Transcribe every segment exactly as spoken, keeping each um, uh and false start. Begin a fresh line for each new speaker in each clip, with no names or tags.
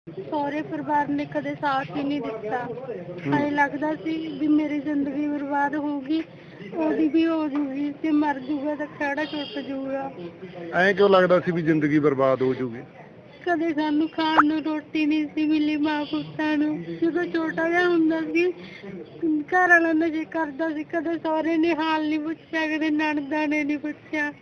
ਸਹੁਰੇ ਪਰਿਵਾਰ ਨੇ ਕਦੇ ਸਾਥ ਹੀ ਨਹੀਂ ਦਿੱਤਾ। ਐਂ ਲੱਗਦਾ ਸੀ ਵੀ ਮੇਰੀ ਜ਼ਿੰਦਗੀ ਬਰਬਾਦ ਹੋਊਗੀ, ਉਹਦੀ ਵੀ ਹੋ ਜੂਗੀ, ਤੇ ਮਰ ਜੂਗਾ ਤਾਂ ਖੜਾ ਟੁੱਟ ਜੂਗਾ।
ਐਂ ਕਿਉਂ ਲੱਗਦਾ ਸੀ ਵੀ ਜ਼ਿੰਦਗੀ ਬਰਬਾਦ ਹੋ ਜੂਗੀ?
ਕਦੇ ਸਾਨੂੰ ਖਾਣ ਨੂੰ ਰੋਟੀ ਨਹੀਂ ਸੀ ਮਿਲੀ ਮਾਂ ਪੁੱਤਾਂ ਨੂੰ। ਜਦੋਂ ਛੋਟਾ ਜਿਹਾ ਹੁੰਦਾ ਸੀ ਘਰ ਵਾਲਾ ਨਸ਼ੇ ਕਰਦਾ ਸੀ, ਕਦੇ ਸਹੁਰੇ ਨੇ ਹਾਲ ਨਹੀਂ ਪੁੱਛਿਆ, ਕਦੇ ਨਣਦਾਂ ਨੇ ਨਹੀਂ ਪੁੱਛਿਆ।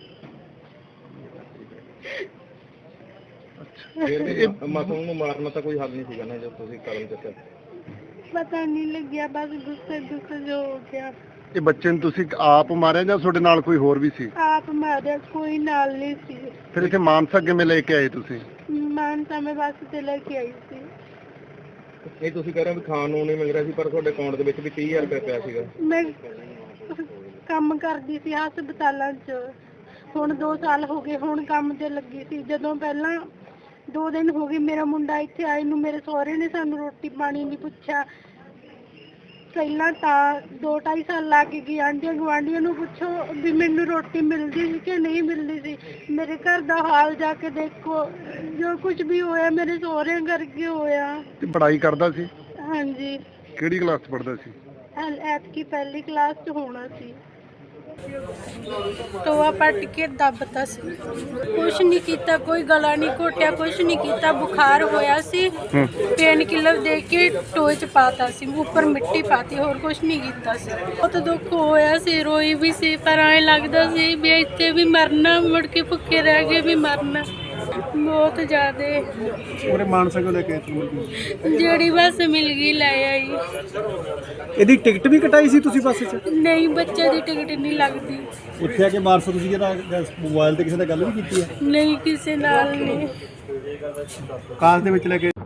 ਮਾਸੂਮ ਨੂੰ ਮਾਰਨਾ ਤਾਂ ਕੋਈ ਹੱਲ ਨਹੀਂ ਸੀਗਾ ਨਾ, ਜਦ ਤੁਸੀਂ ਕਦਮ ਚੁੱਕਿਆ?
ਪਤਾ ਨਹੀਂ ਲੱਗਿਆ, ਬਸ ਗੁੱਸੇ ਗੁੱਸੇ ਜੋ ਹੋ ਗਿਆ।
ਇਹ ਬੱਚੇ ਨੂੰ ਤੁਸੀਂ ਆਪ ਮਾਰਿਆ ਜਾਂ ਤੁਹਾਡੇ ਨਾਲ ਕੋਈ ਹੋਰ ਵੀ ਸੀ?
ਆਪ ਮਾਰਿਆ, ਕੋਈ ਨਾਲ ਨਹੀਂ ਸੀ।
ਫਿਰ ਇੱਥੇ ਮਾਨਸਾ ਕਿਵੇਂ ਲੈ ਕੇ ਆਏ ਤੁਸੀਂ?
ਮਾਨਸਾ ਮੈਂ ਬੱਸ ਤੇ ਲੈ ਕੇ ਆਈ ਸੀ।
ਇਹ ਤੁਸੀਂ ਕਹਿ ਰਹੇ ਹੋ ਵੀ ਖਾਣ ਨੂੰ ਨਹੀਂ ਮਿਲ ਰਿਹਾ ਸੀ, ਪਰ ਤੁਹਾਡੇ ਅਕਾਊਂਟ ਦੇ ਵਿੱਚ ਵੀ ਤੀਹ ਹਜ਼ਾਰ ਰੁਪਏ ਪਿਆ ਸੀਗਾ।
ਮੈਂ ਕੰਮ ਕਰਦੀ ਸੀ ਹਸਪਤਾਲਾਂ 'ਚ, ਹੁਣ ਦੋ ਸਾਲ ਹੋ ਗਏ ਹੁਣ ਕੰਮ ਤੇ ਲੱਗੀ ਸੀ। ਜਦੋਂ ਪਹਿਲਾਂ ਦੋ ਦਿਨ ਹੋ ਗਏ ਮੇਰਾ ਮੁੰਡਾ ਇੱਥੇ ਆਏ ਨੂੰ, ਮੇਰੇ ਸਹੁਰੇ ਨੇ ਸਾਨੂੰ ਰੋਟੀ ਪਾਣੀ ਨਹੀਂ ਪੁੱਛਿਆ। ਪਹਿਲਾਂ ਤਾਂ ਦੋ ਢਾਈ ਸਾਲ ਲੱਗ ਗਏ, ਆਂਢੀਆਂ ਗੁਆਂਢੀਆਂ ਨੂੰ ਪੁੱਛੋ ਵੀ ਮੈਨੂੰ ਰੋਟੀ ਮਿਲਦੀ ਸੀ ਕਿ ਨਹੀਂ ਮਿਲਦੀ ਸੀ। ਮੇਰੇ ਘਰ ਦਾ ਹਾਲ ਜਾ ਕੇ ਦੇਖੋ, ਜੋ ਕੁਝ ਵੀ ਹੋਇਆ ਮੇਰੇ ਸਹੁਰਿਆਂ ਕਰਕੇ ਹੋਇਆ।
ਤੇ ਪੜ੍ਹਾਈ ਕਰਦਾ ਸੀ?
ਹਾਂਜੀ।
ਕਿਹੜੀ ਕਲਾਸ 'ਚ ਪੜ੍ਹਦਾ ਸੀ?
ਐਤਕੀ ਪਹਿਲੀ ਕਲਾਸ 'ਚ ਹੋਣਾ ਸੀ। ਟੋਆ ਪੱਟ ਕੇ ਦੱਬਤਾ ਸੀ, ਕੁਛ ਨਹੀਂ ਕੀਤਾ, ਕੋਈ ਗਲਾ ਨਹੀਂ ਘੋਟਿਆ, ਕੁਛ ਨਹੀਂ ਕੀਤਾ। ਬੁਖਾਰ ਹੋਇਆ ਸੀ, ਪੇਨ ਕਿਲਰ ਦੇ ਕੇ ਟੋਏ 'ਚ ਪਾਤਾ ਸੀ, ਉੱਪਰ ਮਿੱਟੀ ਪਾਤੀ, ਹੋਰ ਕੁਛ ਨਹੀਂ ਕੀਤਾ ਸੀ। ਬਹੁਤ ਦੁੱਖ ਹੋਇਆ ਸੀ, ਰੋਈ ਵੀ ਸੀ, ਪਰ ਐਂ ਲੱਗਦਾ ਸੀ ਵੀ ਇੱਥੇ ਵੀ ਮਰਨਾ, ਮੁੜ ਕੇ ਭੁੱਖੇ ਰਹਿ ਕੇ ਵੀ ਮਰਨਾ। ਬਹੁਤ ਜ਼ਿਆਦਾ
ਉਹਨੇ ਮਾਨਸਾ ਕੋਲ ਲੈ ਕੇ
ਜਿਹੜੀ ਬੱਸ ਮਿਲ ਗਈ ਲੈ ਆਈ।
ਇਹਦੀ ਟਿਕਟ ਵੀ ਕਟਾਈ ਸੀ ਤੁਸੀਂ ਬੱਸ 'ਚ?
ਨਹੀਂ, ਬੱਚੇ ਦੀ ਟਿਕਟ ਨਹੀਂ ਲੱਗਦੀ।
ਉੱਥੇ ਆ ਕੇ ਮਾਨਸਾ ਤੁਸੀਂ ਜਿਹੜਾ ਮੋਬਾਈਲ ਤੇ ਕਿਸੇ ਨਾਲ ਗੱਲ ਵੀ ਕੀਤੀ ਹੈ?
ਨਹੀਂ, ਕਿਸੇ ਨਾਲ ਨਹੀਂ।
ਕਾਰ ਦੇ ਵਿੱਚ ਲੈ ਕੇ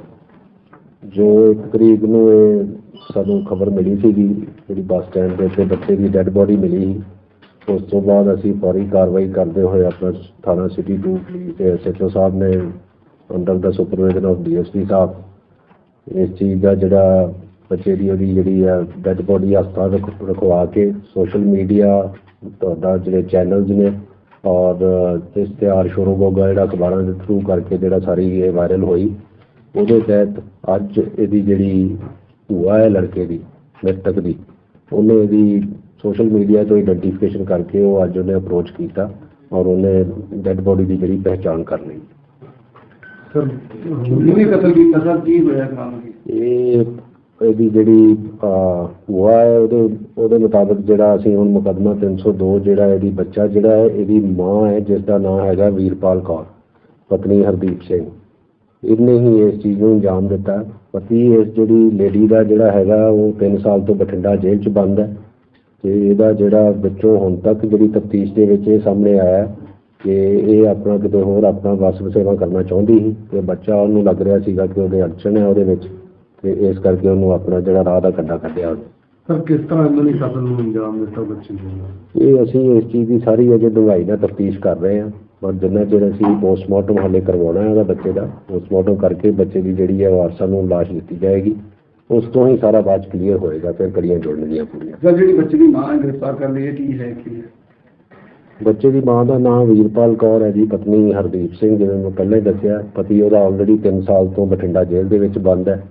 ਜੋ ਇੱਕ ਤਰੀਕ ਨੂੰ ਇਹ ਸਾਨੂੰ ਖਬਰ ਮਿਲੀ ਸੀਗੀ, ਜਿਹੜੀ ਬੱਸ ਸਟੈਂਡ ਦੇ ਉੱਤੇ ਬੱਚੇ ਦੀ ਡੈੱਡ ਬੋਡੀ ਮਿਲੀ ਸੀ। ਉਸ ਤੋਂ ਬਾਅਦ ਅਸੀਂ ਫੌਰੀ ਕਾਰਵਾਈ ਕਰਦੇ ਹੋਏ ਆਪਣਾ ਥਾਣਾ ਸਿਟੀ ਟੂ ਤੇ ਐਸ ਐਚ ਓ ਸਾਹਿਬ ਨੇ ਅੰਡਰ ਦਾ supervision of D S P ਸਾਹਿਬ ਇਸ ਚੀਜ਼ ਦਾ ਜਿਹੜਾ ਬੱਚੇ ਦੀ ਉਹਦੀ ਜਿਹੜੀ ਆ ਡੈੱਡ ਬੋਡੀ ਹਸਪਤਾਲ ਰਖ ਰਖਵਾ ਕੇ ਸੋਸ਼ਲ ਮੀਡੀਆ ਤੁਹਾਡਾ ਜਿਹੜੇ ਚੈਨਲਸ ਨੇ ਔਰ ਇਸ਼ਤਿਹਾਰ ਸ਼ੁਰੂ ਹੋ ਗਿਆ ਜਿਹੜਾ ਅਖਬਾਰਾਂ ਦੇ ਥਰੂ ਕਰਕੇ ਜਿਹੜਾ ਸਾਰੀ ਇਹ ਵਾਇਰਲ ਹੋਈ, ਉਹਦੇ ਤਹਿਤ ਅੱਜ ਇਹਦੀ ਜਿਹੜੀ ਭੂਆ ਹੈ ਲੜਕੇ ਦੀ ਮ੍ਰਿਤਕ ਦੀ, ਉਹਨੇ ਇਹਦੀ ਸੋਸ਼ਲ ਮੀਡੀਆ ਤੋਂ ਆਈਡੈਂਟੀਫਿਕੇਸ਼ਨ ਕਰਕੇ ਉਹ ਅੱਜ ਉਹਨੇ ਅਪਰੋਚ ਕੀਤਾ ਔਰ ਉਹਨੇ ਡੈੱਡ ਬੋਡੀ ਦੀ ਜਿਹੜੀ ਪਹਿਚਾਣ ਕਰ ਲਈ।
ਸਰ ਕਿਹਨੇ ਕਤਲ ਕੀਤਾ ਸਰ, ਕੀ ਹੋਇਆ ਕੰਮ?
ਇਹ ਇਹਦੀ ਜਿਹੜੀ ਭੂਆ ਹੈ ਉਹਦੇ ਉਹਦੇ ਮੁਤਾਬਕ ਜਿਹੜਾ ਅਸੀਂ ਹੁਣ ਮੁਕੱਦਮਾ ਤਿੰਨ ਸੌ ਦੋ ਜਿਹੜਾ ਇਹਦੀ ਬੱਚਾ ਜਿਹੜਾ ਹੈ ਇਹਦੀ ਮਾਂ ਹੈ ਜਿਸ ਦਾ ਨਾਮ ਹੈਗਾ ਵੀਰਪਾਲ ਕੌਰ ਪਤਨੀ ਹਰਦੀਪ ਸਿੰਘ, ਇਹਨੇ ਹੀ ਇਸ ਚੀਜ਼ ਨੂੰ ਅੰਜਾਮ ਦਿੱਤਾ। ਪਤੀ ਇਸ ਜਿਹੜੀ ਲੇਡੀ ਦਾ ਜਿਹੜਾ ਹੈਗਾ ਉਹ ਤਿੰਨ ਸਾਲ ਤੋਂ ਬਠਿੰਡਾ ਜੇਲ੍ਹ 'ਚ ਬੰਦ ਹੈ ਤੇ ਇਹਦਾ ਜਿਹੜਾ ਵਿੱਚੋਂ ਹੁਣ ਤੱਕ ਜਿਹੜੀ ਤਫਤੀਸ਼ ਦੇ ਵਿੱਚ ਇਹ ਸਾਹਮਣੇ ਆਇਆ ਕਿ ਇਹ ਆਪਣਾ ਕਿਤੇ ਹੋਰ ਆਪਣਾ ਵਸ ਵਸੇਵਾ ਕਰਨਾ ਚਾਹੁੰਦੀ ਸੀ ਤੇ ਬੱਚਾ ਉਹਨੂੰ ਲੱਗ ਰਿਹਾ ਸੀਗਾ ਕਿ ਉਹਦੇ ਅੜਚਣ ਹੈ ਉਹਦੇ ਵਿੱਚ, ਤੇ ਇਸ ਕਰਕੇ ਉਹਨੂੰ ਆਪਣਾ ਜਿਹੜਾ ਰਾਹ ਦਾ ਕੰਡਾ ਕੱਢਿਆ ਉਹਨੇ।
ਸਰ ਕਿਸ ਤਰ੍ਹਾਂ ਇਹਨਾਂ ਨੇ ਕਤਲ ਨੂੰ ਅੰਜਾਮ ਦਿੱਤਾ ਬੱਚੇ ਨੂੰ?
ਇਹ ਅਸੀਂ ਇਸ ਚੀਜ਼ ਦੀ ਸਾਰੀ ਅਜੇ ਡੂੰਘਾਈ ਨਾਲ ਤਫਤੀਸ਼ ਕਰ ਰਹੇ ਹਾਂ, ਪਰ ਜਿੰਨਾ ਚਿਰ ਅਸੀਂ ਪੋਸਟਮਾਰਟਮ ਹਾਲੇ ਕਰਵਾਉਣਾ ਹੈ ਉਹਦਾ ਬੱਚੇ ਦਾ, ਪੋਸਟਮਾਰਟਮ ਕਰਕੇ ਬੱਚੇ ਦੀ ਜਿਹੜੀ ਹੈ ਵਾਰਸਾਂ ਨੂੰ ਲਾਸ਼ ਦਿੱਤੀ ਜਾਏਗੀ, ਉਸ ਤੋਂ ਹੀ ਸਾਰਾ ਬਾਅਦ ਕਲੀਅਰ ਹੋਏਗਾ, ਫਿਰ ਕੜੀਆਂ ਜੋੜਨਗੀਆਂ ਪੂਰੀਆਂ।
ਸਰ ਜਿਹੜੀ ਬੱਚੇ ਦੀ ਮਾਂ ਗ੍ਰਿਫਤਾਰ ਕਰ ਲਈ ਹੈ, ਕੀ ਹੈ ਕੀ ਹੈ?
ਬੱਚੇ ਦੀ ਮਾਂ ਦਾ ਨਾਮ ਵੀਰਪਾਲ ਕੌਰ ਹੈ ਜੀ, ਪਤਨੀ ਹਰਦੀਪ ਸਿੰਘ, ਜਿਵੇਂ ਮੈਂ ਪਹਿਲਾਂ ਹੀ ਦੱਸਿਆ। ਪਤੀ ਉਹਦਾ ਆਲਰੇਡੀ ਤਿੰਨ ਸਾਲ ਤੋਂ ਬਠਿੰਡਾ ਜੇਲ੍ਹ ਦੇ ਵਿੱਚ ਬੰਦ ਹੈ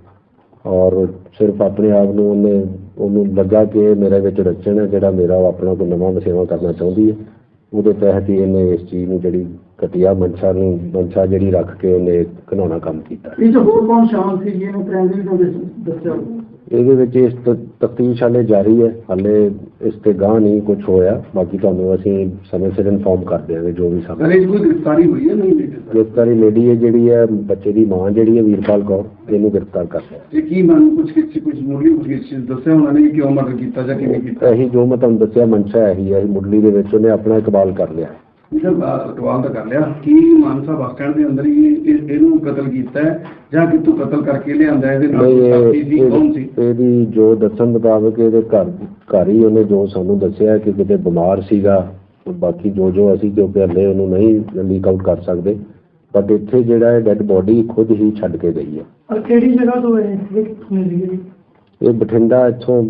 ਔਰ ਸਿਰਫ ਆਪਣੇ ਆਪ ਨੂੰ ਉਹਨੇ ਉਹਨੂੰ ਲੱਗਾ ਕਿ ਮੇਰੇ ਵਿੱਚ ਰਚਣ ਹੈ ਜਿਹੜਾ ਮੇਰਾ ਆਪਣਾ ਕੋਈ ਨਵਾਂ ਵਸੇਵਾ ਕਰਨਾ ਚਾਹੁੰਦੀ ਹੈ, ਉਹਦੇ ਤਹਿਤ ਹੀ ਇਹਨੇ ਇਸ ਚੀਜ਼ ਨੂੰ ਜਿਹੜੀ ਘਟੀਆ ਮਨਸ਼ਾ ਨੂੰ ਮਨਸ਼ਾ ਜਿਹੜੀ ਰੱਖ ਕੇ ਉਹਨੇ ਘਿਨਾਉਣਾ ਕੰਮ ਕੀਤਾ।
ਇਹ ਜੋ ਹੋਰ ਕੌਣ ਸ਼ਾਮਲ ਸੀ ਇਹਨੂੰ ਪ੍ਰਾਇਮਰੀ ਤੋਂ ਦੱਸਿਆ?
ਇਹਦੇ ਵਿੱਚ ਇਸ ਤਫਤੀਸ਼ ਹਾਲੇ ਜਾਰੀ ਹੈ, ਹਾਲੇ ਇਸ ਤੇ ਗਾਂਹ ਨਹੀਂ ਕੁਝ ਹੋਇਆ, ਬਾਕੀ ਤੁਹਾਨੂੰ ਅਸੀਂ ਸਮੇਂ ਸਿਰ ਇਨਫੋਰਮ ਕਰ ਦਿਆਂਗੇ ਜੋ ਵੀ ਸਾਹਮਣੇ।
ਕੋਈ ਗ੍ਰਿਫਤਾਰੀ ਹੋਈ ਹੈ? ਨਹੀਂ
ਗ੍ਰਿਫਤਾਰੀ ਲੇਡੀ ਹੈ ਜਿਹੜੀ ਹੈ ਬੱਚੇ ਦੀ ਮਾਂ ਜਿਹੜੀ ਹੈ ਵੀਰਪਾਲ ਕੌਰ, ਇਹਨੂੰ ਗ੍ਰਿਫਤਾਰ ਕਰ ਲਿਆ।
ਇਹ ਕੀ ਮੈਨੂੰ ਕੁਝ ਕਿਸੇ ਕੁਝ ਮੁੱਢਲੀ ਕੁਝ ਦੱਸਿਆ ਉਹਨਾਂ ਨੇ ਕਿਉਂ ਮਰਡਰ ਕੀਤਾ ਜਾਂ ਕਿਵੇਂ ਕੀਤਾ?
ਇਹੀ ਜੋ ਮੈਂ ਤੁਹਾਨੂੰ ਦੱਸਿਆ ਮਨਸ਼ਾ ਇਹੀ ਹੈ, ਮੁੱਢਲੀ ਦੇ ਵਿੱਚ ਉਹਨੇ ਆਪਣਾ ਇਕਬਾਲ ਕਰ ਲਿਆ।
ਇਕਬਾਲ ਤਾਂ ਕਰ ਲਿਆ। ਕੀ ਮਾਨਸਾ ਬੱਸ ਸਟੈਂਡ ਦੇ ਅੰਦਰ ਹੀ ਇਹਨੂੰ ਕਤਲ ਕੀਤਾ ਹੈ ਜਾਂ ਕਿਤੋਂ ਕਤਲ ਕਰਕੇ ਲਿਆਂਦਾ? ਇਹਦੇ ਨਾਲ ਸਾਥੀ ਸੀ ਕੌਣ ਸੀ?
ਇਹਦੀ ਜੋ ਦੱਸਣ ਮੁਤਾਬਕ ਇਹਦੇ ਘਰ ਘਰ ਹੀ ਉਹਨੇ ਜੋ ਸਾਨੂੰ ਦੱਸਿਆ ਕਿ ਕਿਤੇ ਬਿਮਾਰ ਸੀਗਾ, ਬਾਕੀ ਜੋ ਜੋ ਅਸੀਂ ਕਿਉਂਕਿ ਹਲੇ ਉਹਨੂੰ ਨਹੀਂ ਲੀਕ ਆਊਟ ਕਰ ਸਕਦੇ, ਬਟ ਇੱਥੇ ਜਿਹੜਾ ਹੈ ਡੈਡ ਬੋਡੀ ਖੁਦ ਹੀ ਛੱਡ ਕੇ ਗਈ ਹੈ।
ਕਿਹੜੀ ਜਗ੍ਹਾ ਤੋਂ ਹੈ ਇਹ?
ਇਹ ਬਠਿੰਡਾ ਇੱਥੋਂ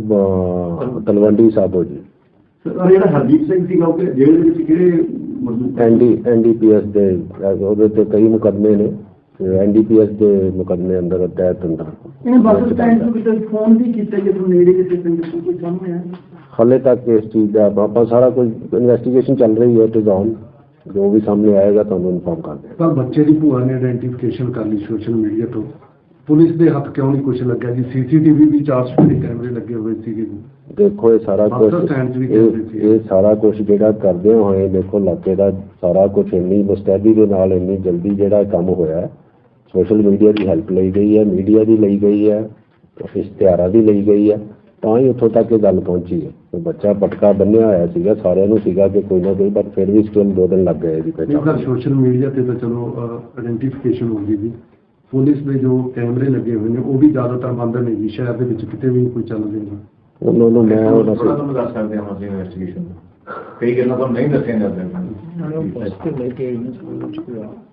ਤਲਵੰਡੀ ਸਾਬੋ ਜੀ।
ਜਿਹੜਾ ਹਰਦੀਪ ਸਿੰਘ ਸੀਗਾ ਉਹ ਜੇਲ੍ਹ ਦੇ ਵਿੱਚ ਕਿਹੜੇ
N D N D P S ਦੇ ਉਹਦੇ ਤੇ ਕਈ ਮੁਕੱਦਮੇ ਨੇ ਐਨ ਡੀ ਪੀ ਐਸ ਦੇ ਮੁਕੱਦਮੇ ਅੰਦਰ ਤਹਿਤ ਅੰਦਰ
ਇਹਨੇ ਬੱਸ ਸਟੈਂਡ ਤੋਂ ਕਿਤੇ ਫੋਨ ਵੀ ਕੀਤਾ ਜਦੋਂ ਨੇੜੇ ਕਿਤੇ ਪਿੰਡ ਤੋਂ ਕੋਈ ਸਾਹਮਣੇ ਆਇਆ?
ਹਾਲੇ ਤੱਕ ਇਸ ਚੀਜ਼ ਦਾ ਆਪਾਂ ਸਾਰਾ ਕੁਝ ਇਨਵੈਸਟੀਗੇਸ਼ਨ ਚੱਲ ਰਹੀ ਹੈ, ਇਟ ਇਜ਼ ਔਨ। ਜੋ ਵੀ ਸਾਹਮਣੇ ਆਏਗਾ ਤੁਹਾਨੂੰ ਇਨਫੋਰਮ ਕਰ ਦਿਆਂਗੇ।
ਪਰ ਬੱਚੇ ਦੀ ਭੂਆ ਨੇ ਆਇਡੈਂਟੀਫਿਕੇਸ਼ਨ ਕਰ ਲਈ ਸੋਸ਼ਲ ਮੀਡੀਆ ਤੋਂ, ਪੁਲਿਸ ਦੇ ਹੱਥ ਕਿਉਂ ਨਹੀਂ ਕੁਝ ਲੱਗਿਆ ਜੀ? ਸੀਸੀਟੀਵੀ ਵੀ ਚਾਰ ਸੌ ਦੇ ਕੈਮਰੇ ਲੱਗੇ ਹੋਏ ਸੀਗੇ ਜੀ।
ਦੇਖੋ ਇਹ ਸਾਰਾ ਕੁਝ
ਬੱਸ ਸਟੈਂਡ 'ਚ ਵੀ
ਇਹ
ਕੈਮਰੇ ਸੀ।
ਇਹ ਸਾਰਾ ਕੁਝ ਜਿਹੜਾ ਕਰਦੇ ਹੋਏ ਦੇਖੋ ਇਲਾਕੇ ਦਾ ਸਾਰਾ ਕੁਝ ਇੰਨੀ ਮੁਸਤੈਦੀ ਦੇ ਨਾਲ ਇੰਨੀ ਜਲਦੀ ਜਿਹੜਾ ਕੰਮ ਹੋਇਆ, ਸੋਸ਼ਲ ਮੀਡੀਆ ਦੀ ਹੈਲਪ ਲਈ ਗਈ ਹੈ, ਮੀਡੀਆ ਦੀ ਲਈ ਗਈ ਹੈ, ਇਸ਼ਤਿਹਾਰਾਂ ਦੀ ਲਈ ਗਈ ਹੈ, ਤਾਂ ਹੀ ਉੱਥੋਂ ਤੱਕ ਇਹ ਗੱਲ ਪਹੁੰਚੀ ਹੈ। ਤੇ ਬੱਚਾ ਪਟਕਾ ਬੰਨਿਆ ਹੋਇਆ ਸੀਗਾ, ਸਾਰਿਆਂ ਨੂੰ ਸੀਗਾ ਕਿ ਕੋਈ ਨਾ ਕੋਈ, ਪਰ ਫਿਰ ਵੀ ਸਟਿਲ ਦੋ ਦਿਨ ਲੱਗ ਗਏ ਜੀ ਪਹਿਲਾਂ।
ਸੋਸ਼ਲ ਮੀਡੀਆ ਤੇ ਤਾਂ ਚਲੋ ਆਇਡੈਂਟੀਫਿਕੇਸ਼ਨ ਹੋ ਗਈ ਜੀ, ਪੁਲਿਸ ਦੇ ਜੋ ਕੈਮਰੇ ਲੱਗੇ ਹੋਏ ਨੇ ਉਹ ਵੀ ਜ਼ਿਆਦਾਤਰ ਬੰਦ ਨੇ ਜੀ, ਸ਼ਹਿਰ ਦੇ ਵਿੱਚ ਕਿਤੇ ਵੀ ਕੋਈ ਚੱਲਦੇ ਨਹੀਂ।
ਉਹਨਾਂ ਨੂੰ ਮੈਂ ਉਹਨਾਂ
ਥੋੜਾ ਤੁਹਾਨੂੰ ਦੱਸ ਸਕਦੇ ਹਾਂ ਅਸੀਂ ਇਨਵੈਸਟੀਗੇਸ਼ਨ ਕਈ ਗੱਲਾਂ ਤੁਹਾਨੂੰ ਨਹੀਂ ਦੱਸੀਆਂ ਜਾਂਦੀਆਂ।